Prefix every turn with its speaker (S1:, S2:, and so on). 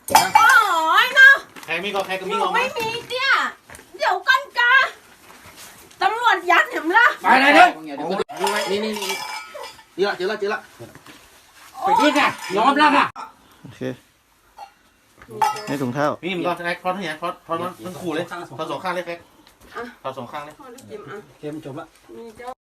S1: โอ้ยเนาะ
S2: ใครมีก็ใครก็
S1: ห
S2: มี
S1: นู
S2: เอามา
S1: ไม่มีเตี้ยเดี๋ยวกันกาตำรวจยัดเห็นละ
S3: ไปเลยเด้อ
S4: นี่เจอละ
S3: ไปที่ไงยอมแล้วค่ะ
S4: โอเคให้ถุงเท้า
S2: นี่มันก็ใช้คอนทั้งอย่างคอนมันขู่เลยคอนสองข้างเลยแฟกคอนสองข้างเลย
S1: พอได้กินอ่ะ
S3: เกมจบละ
S1: มีเจ้า